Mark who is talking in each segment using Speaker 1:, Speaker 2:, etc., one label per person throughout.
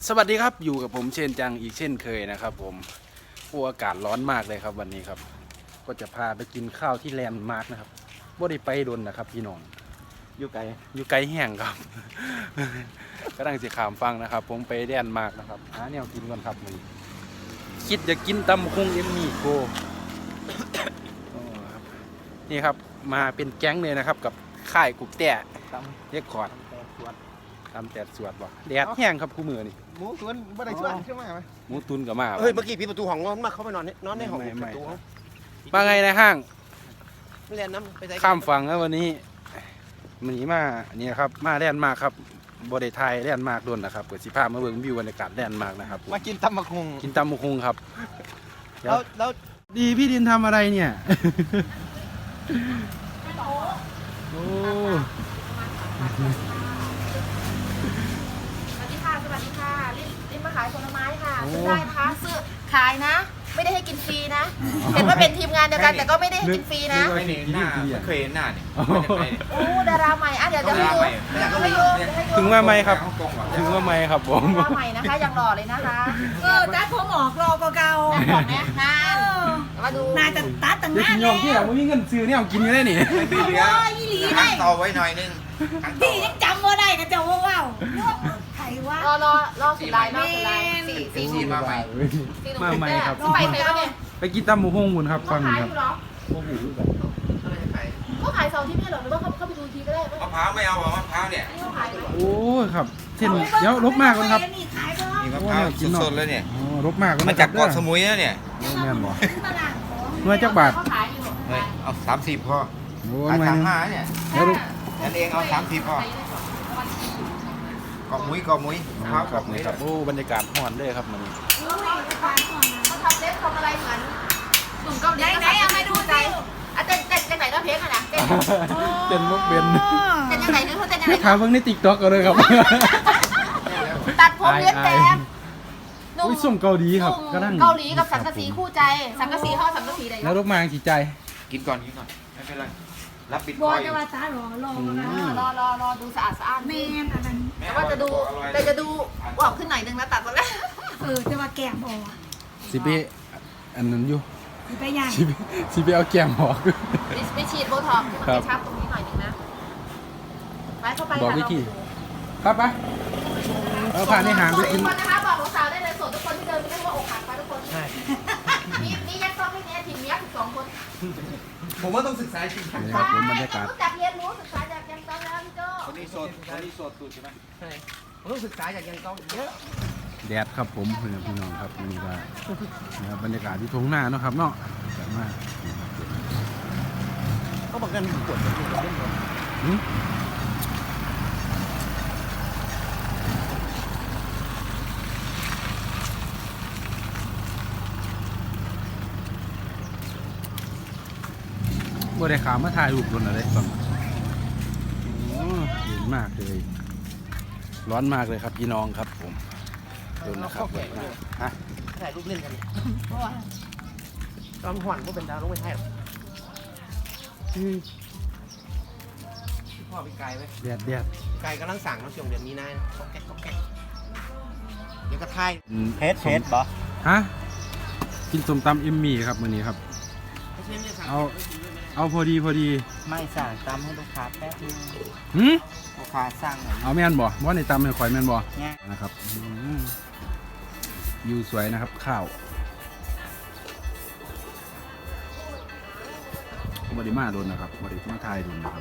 Speaker 1: สวัสดีครับอยู่กับผมเช่นจังอีกเช่นเคยนะครับผมอากาศร้อนมากเลยครับวันนี้ครับก็จะพาไปกินข้าวที่แลนด์มาร์กนะครับบ่ได้ไปดนนะครับพี่น้องอยู่ไกลแห้งครับ ก็ตั้งสิขามฟังนะครับผมไปแลนด์มาร์กนะครับหาแนวกินก่อนครับมันคิดจะกินตำคงเอ็มมี่โก นี่ครับมาเป็นแก๊งเลยนะครับกับค่ายกุ๊กแต่เรียกคอร์ดตำแต่สวดบ่แดดแห้งครับคู่มือนี่
Speaker 2: หมูตุนบ่ได้ชวนใช่ไหม
Speaker 1: หมูตุนกับมา
Speaker 2: เฮ้ยเมื่อกี้พี่ประตูห้องนอนมาเข้าไปนอนในห้องประตู
Speaker 1: มาไงในห้าง
Speaker 2: เรียนน้ำไปใส่
Speaker 1: ข้ามฝั่งแล้ววันนี้มันหนีมาเนี่ยครับมาแลนด์มาร์คครับบริไทยแลนด์มาร์คโดนนะครับเปิดสิภาพมาเบิ่งวิวบรรยากาศแลนด์มาร์คนะครับ
Speaker 2: มากินตำมะคุง
Speaker 1: กินตำมะคุงครับ
Speaker 2: แล้ว
Speaker 1: ดีพี่ดินทำอะไรเนี่ยโอ้
Speaker 3: สวัสดีค่ะลิ้นมาขายผลไม้ค่ะซื้อได้นะคะซื้อขายนะ ไม่ได้ให้กินฟรีนะ เห็นว่าเป็นทีมงานเดียวกันแต่ก็ไม่ได้ให้กินฟรีนะ
Speaker 4: ไม่เห็นหน้าไม่เคยเห็นหน้าเนี่ยไม่
Speaker 3: โอ้ดาราใหม่อ่ะเดี๋ยวให้ดู
Speaker 1: ถึงว่าไหมครับถึงว่าไหมครับผม
Speaker 3: ดาราใหม่นะคะยังหล่อเลยนะคะ
Speaker 5: ตัดผมออกรอเก่า
Speaker 3: แต่ก่อนนะงานมาดู
Speaker 5: ๆน่าจะตัดตั้ง
Speaker 1: เด็ก
Speaker 5: นาน
Speaker 1: ยอมที่ไหนไม่มีเงินซื้อเนี่ยเอากินอยู่ได้นี่
Speaker 4: พี่เหลือ
Speaker 5: อีหลี
Speaker 4: ตั้
Speaker 5: ได้
Speaker 4: งต่อไว้หน่อยนึงตั้งต่อ
Speaker 5: พี่ยังจำว่าได้กันจะว้าวใครวะ
Speaker 3: รอสุดลายสี่
Speaker 4: สีมาใหม่
Speaker 1: มาใหม่ครับ
Speaker 3: ไปไหนวะเนี่ย
Speaker 1: ไปกินตำมะคุงคุณครับ
Speaker 3: เขา
Speaker 1: ฟัง
Speaker 3: ขาย
Speaker 1: ค
Speaker 3: อ
Speaker 1: รับ
Speaker 3: ยู่เหรอเขาขายเสาร์ที่ไม่เหรอหรือว่าเขาไปดูทีก็ได้
Speaker 4: มะพร้าวไม่เอามะพร้าวเนี่ย
Speaker 3: เขาขายอยู่
Speaker 1: โอ้ครับเช่นเดี๋ยวลบมากก่อนครับ
Speaker 5: นี่ขายก็
Speaker 4: นี่มะพร้าวสดๆเลยเนี่ย
Speaker 1: อ๋อลบมากก่อน
Speaker 4: มาจากเกาะสมุยนะเนี่ย
Speaker 1: แม่นบ่
Speaker 5: ตลาดของ
Speaker 1: หน่วยจักบาท
Speaker 3: เขาขายอยู่
Speaker 4: เอา30พอ
Speaker 1: โอ้
Speaker 4: ขาย
Speaker 1: หน่วยหนึง
Speaker 4: 35เนี่ย
Speaker 1: แล้วลูก
Speaker 4: นั่นเองเอา30พอเกาะมุยมะพร้าว
Speaker 1: ครับ
Speaker 4: เกาะมุย
Speaker 1: นี่ครับโอ้บรรยากาศฮ้อนเลยครับมัน
Speaker 3: เขาทำเล็บทำอะไรเหมือนหนุ่มเกาหลี
Speaker 5: ไหนเอามาดูใจ
Speaker 3: อ่ะเต้นไหนก็เพลงอ่ะนะเต้น
Speaker 1: เป็นมุกเป็น
Speaker 3: ยังไงเขาเต้นยังไง
Speaker 1: ไม่ถามเพิ่งในติ๊กต็อกกันเลยครับ
Speaker 3: ตัดผมเลียนแบบหนุ่ม
Speaker 1: อุ้ยส้มเกาหลีครับก็นั่ง
Speaker 3: เกาหลีกับสังกะสีคู่ใจสังกะสีเขาสังกะสีใด
Speaker 1: แล้วลูกมาสีใจ
Speaker 4: กินก่อนไม่เป็นไรรับบิต
Speaker 5: บ
Speaker 4: ค
Speaker 5: อ
Speaker 4: อย
Speaker 5: จะว่าตาหรอรอนะ
Speaker 3: รอดูสะอาดสะอ้าน
Speaker 5: แม่อันนั้น
Speaker 3: แต่ว่าจะดูออกขึ้นหน่อยนึงนะตัดหมดแล้ว
Speaker 5: จะว่าแก้มบอ
Speaker 1: สิเปอันนั้นอยู่
Speaker 5: ไปย่าง
Speaker 1: สิเปเอาแก้มออก
Speaker 3: ไปฉีดโบท็อกซ์ให้มันกระชับตรงนี้หน่อยนึงนะไปเข้าไป
Speaker 1: บอกวิธีครับไปเอาผ่านในหางไป
Speaker 3: ทุก
Speaker 1: กิน
Speaker 3: คนนะคะบอกสาวได้เลยโสดทุกคนที่เดินไม่ได้ว่าอกหักไปทุกคนนี่ยักษ์ต้องให้แน่ทีมยักษ์12 คน
Speaker 4: ผมว่าต้องศึกษาจริง
Speaker 1: นี่ครับผมบรรยากาศ
Speaker 3: รู้จักเรียนรู้ศึกษาจากยังต้องแล้วพี่โจ้
Speaker 4: คนนี้โสดสุดใช่ไหม
Speaker 2: ผมต้องศึกษาจากยังต้องเยอะ
Speaker 1: แดดครับผมเพื่อนพี่น้องครับนี่ก็นะครับบรรยากาศที่ทุ่งนาเนาะครับเนาะแบบมาก
Speaker 2: เขาบอกกันปวดเล่นหมด
Speaker 1: หืมบ่ได้ขามมาถ่ายรูปคนอะไรฟังโอ้เย็นมากเลย ร้อนมากเลยครับพี่น้องครับผมดูนะครับฮะ
Speaker 2: ถ่ายรูปเล่นกันตอนหวันก็เป็นดาวลงไปถ่ายพ่อไปไกลไหม
Speaker 1: แดดแดด
Speaker 2: ไกลกำลังสั่งน้ำช่วงเดือนนี้นะก็แก๊กเดี๋ยวก็ถ่าย
Speaker 1: เพชรบ่ฮะกินส้มตำเอ็มมี่ครับมื้อนี้ครับ เอาพอดี
Speaker 6: ไม่สั่งตำให้ลูกค้าแป๊บนึง
Speaker 1: หืม
Speaker 6: ลูกค้าสั่งหน่อย
Speaker 1: เอาแม่นบ่ว่าในตำให้ข่อยแม่นบ่
Speaker 6: เนี่ย
Speaker 1: นะครับวิวสวยนะครับข้าวบริมาโดนนะครับบริมาทายโดนนะครับ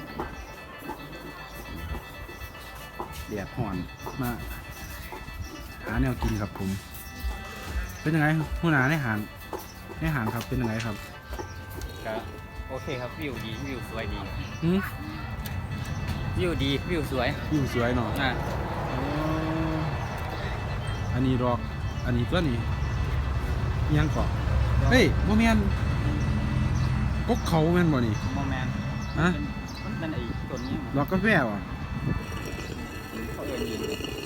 Speaker 1: แดดห่อนมาหาแนวกินครับผม เป็นยังไงหัวหน้าในหารครับเป็นยังไงครับ
Speaker 6: ก็โอเคครับวิวดีวิวสวยดี
Speaker 1: หืม
Speaker 6: วิวดีวิวสวย
Speaker 1: วิวสวยเนาะ
Speaker 6: อ่ะ
Speaker 1: อันนี้ดอก อันนี้ตัวนี้ยังเกาะเฮ้ยโมเมนกกเขาแม่นบ่นี่
Speaker 6: โมแมน
Speaker 1: ฮะ
Speaker 6: นั่นไอ้ต้นนี้
Speaker 1: ดอกกาแฟว่ะ
Speaker 6: เขาเดินยืน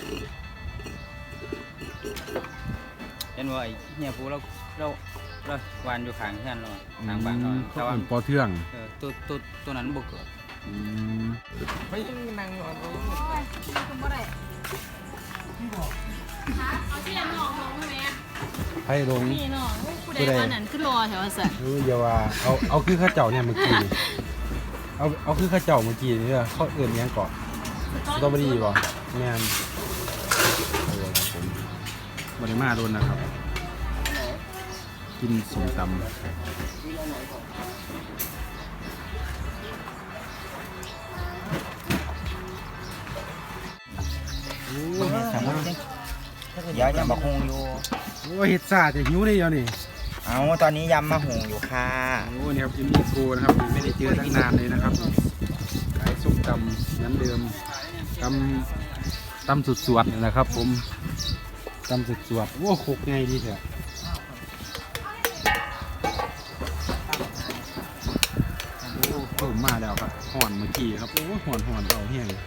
Speaker 6: เห็นว่าไอ้เนี่ยปูเราวานอยู่ข้างเพื่อนเราทางบ้านเรา
Speaker 1: เขา
Speaker 6: แต่ว่า
Speaker 1: เป็นปอเทือง
Speaker 6: ตัวนั้นบุกเกิด
Speaker 1: อืม
Speaker 2: ไม่นั่งนอน
Speaker 3: คุณบ่ได้เอาที่ละน้องลงไหม
Speaker 1: ไผ่ลง
Speaker 3: นี่น้องผู้ใดวันนั้นขึ้นรอแถวสัน
Speaker 1: อย่าว่าเอาคือข้าเจ้าเนี่ยเมื่อกี้นี่เอาคือข้าเจ้าเมื่อกี้นี่เขาเอื่นยังเกาะสตรอเบอรี่บ่แม่นครับผมบริมาโดนนะครับ กินส้มตำ
Speaker 6: สมมติเดี๋ยวยำมะฮุงอยู่
Speaker 1: โอ้เห็ดซ่าจะหิวได้ยังนี่
Speaker 6: เอาตอนนี้ยำมะฮุงอยู่ค่ะ
Speaker 1: โอ้นี่ครับอินดี้โกนะครับไม่ได้เจอตั้งนานเลยนะครับขายส้มตำน้ำเดิมตำสุดสวดนี่แหละครับ ผมตำสุดสวดโอ้โคกไงดีเถอะโอ้เพิ่มมาแล้วครับห่อนเมื่อกี้ครับโอ้ห่อนเอาแห้ง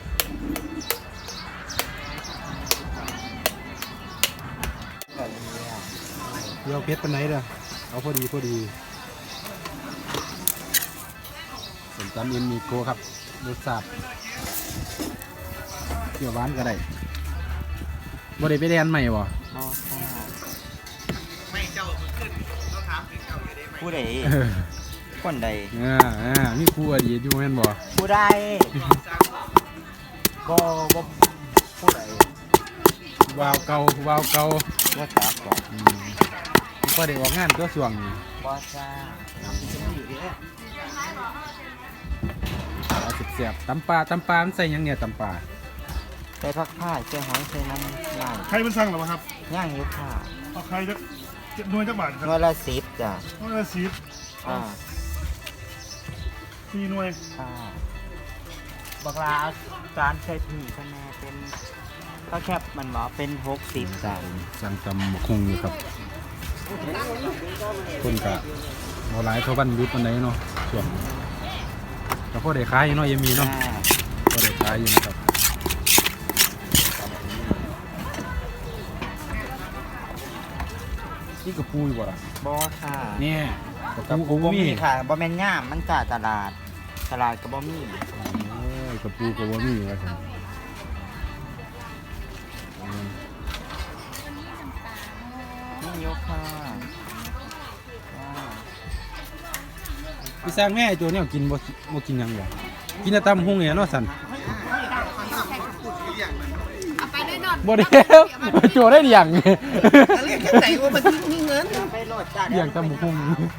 Speaker 1: เดี๋ยวเพชรเป็นไหนเด้อเอาพอดีส้มตำเอ็นมีโกครับรสชาติเกี่ยวหวานก็ได้บ่ได้ไปเรียนใหม่บ่
Speaker 2: ไม่เจ้ามือขึ้นเราถามถึงเจ้าอยู่ได้ไหม
Speaker 6: ผู้ใดคนใด
Speaker 1: มีครูอดีตอยู่แม่นบ่
Speaker 6: ผู้ใดบ่ผู้ใด
Speaker 1: วาวเก่า
Speaker 6: ว่าจักบอก
Speaker 1: ก็ได้ออกงานก็ส่วงนี่
Speaker 6: บ่จ้า
Speaker 1: เอาเสียบๆตำปลามันใส่หยังเนี่ยตำปลา
Speaker 6: ใส่ผักผ้าใส่หอยใส่น้ำย่าง
Speaker 7: ใครเป็นสั่งหรอครับ
Speaker 6: ย่างอยู่ค่ะ
Speaker 7: เอาใครจะหน่วยจักบาทครับ
Speaker 6: หน่วยละ10จ้ะ
Speaker 7: หน่วยละ10 มีหน่วย
Speaker 6: ค่ะบักลาจานใส่ผีคะแนนเป็นก็แคบมันบอกเป็น60จ้ะ
Speaker 1: สั่งตำหมกคงอยู่ครับคนกะเอาหลายเขาบ้านยุทธวันไหนเนาะส่วงแต่พอได้ขายอยู่เนาะยังมีเนาะพอได้ขายอยู่นะครับนี่กระปูอยู่บ่ล่ะ
Speaker 6: บอค่ะ
Speaker 1: เนี่ยกระ
Speaker 6: กับ
Speaker 1: ปู
Speaker 6: บ่
Speaker 1: ก็
Speaker 6: มี
Speaker 1: มี
Speaker 6: ค่ะบ่แม่นย่ามมันจ่าตลาดก็บ่มี
Speaker 1: กระปูก็บ่มีว่าซั่น
Speaker 6: นี่ยกค่ะ
Speaker 1: พี่สร้างแม่ไอ้ตัวเนี้กินบ่กินหยังบ่กินแต่ตำหุ่งเนี่ยเนาะสั่น
Speaker 3: เอาไปด้วยนอน
Speaker 1: บ่ได้โจได้หยัง
Speaker 2: เรียกแค่ไหนว่ามันมีเงิน
Speaker 6: ไปโหลดจ้า
Speaker 1: หยังตำหุ่ง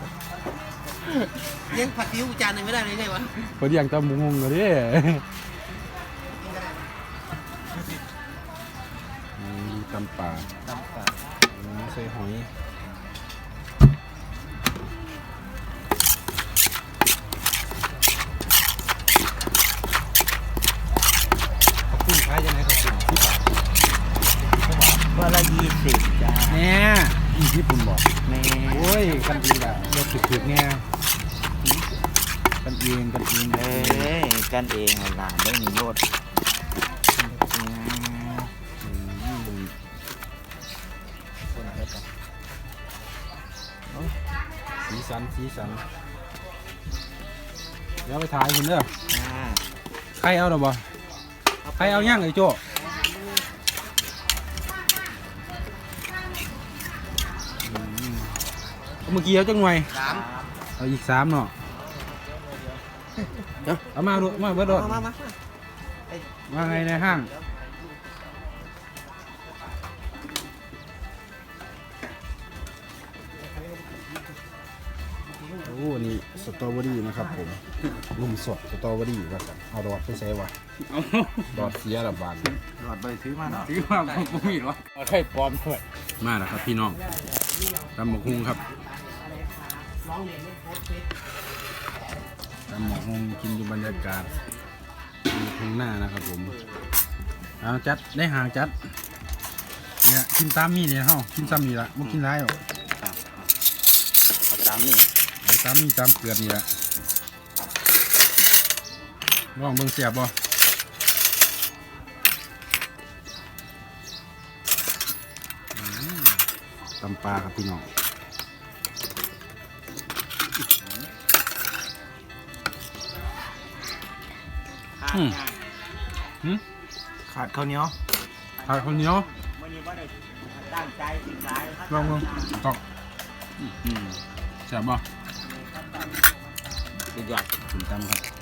Speaker 2: เลี้ยงผัดซีอิ๊วจานหนึงไม่ได้เลยไงวะ
Speaker 1: บ่หยังตำหุ่งเด้ตำป่าใส่หอยขอบคุณขายยังไงขอบคุณที่บาท
Speaker 6: วันละ20จ้า
Speaker 1: แน่อีญี่ปุ่นบอก
Speaker 6: แม่
Speaker 1: โอ้ยกันดีละรถถึกๆแน่กันเอง
Speaker 6: กันเองหลานได้มีรถ
Speaker 1: สีสันเดี๋ยวไปถ่ายคุณเด้อใครเอาหรอบ่ใครเอาย่างไอ้โจ้เมื่อกี้เอาจังหน่วย
Speaker 2: 3
Speaker 1: เอาอีก3เนาะเดี๋ยวเอามาดูมาเบิดดอด
Speaker 2: มา
Speaker 1: ว่าไงในห้างโอ้นี่สตรอเบอรี่นะครับผมนุ่มสดสตรอเบอรี่ว่ากันเอาดอดไปใส่วะดอดเสียละบาท
Speaker 4: หลอดใบซื้อมาเนาะ
Speaker 6: ซื้อมาบ่มีหรอใครปลอมด้วย
Speaker 1: มาแล้วครับพี่น้องตำหมกฮุงครับตำหมกฮุงกินอยู่บรรยากาศอยู่ทุ่งหน้านะครับผมเอาจัดได้หางจัดเนี่ยกินตามมีเนี่ยเฮากินซ้ำนี่ละบ่กินร้ายหรอก
Speaker 6: เอาตามนี่
Speaker 1: เอาตามมีตามเกลือนี่ละลองเบิ่งเสียบบ่ตำปลาครับพี่น้อง
Speaker 6: ขาดข้าวเหนียว
Speaker 1: ผัดข้าวเหนียว
Speaker 6: มื้อนี้ว่าได้ตั้งใจสิขายครับ
Speaker 7: ลองต้อง
Speaker 1: แซ่บบ่
Speaker 6: สุดยอด
Speaker 1: คุณตำครับ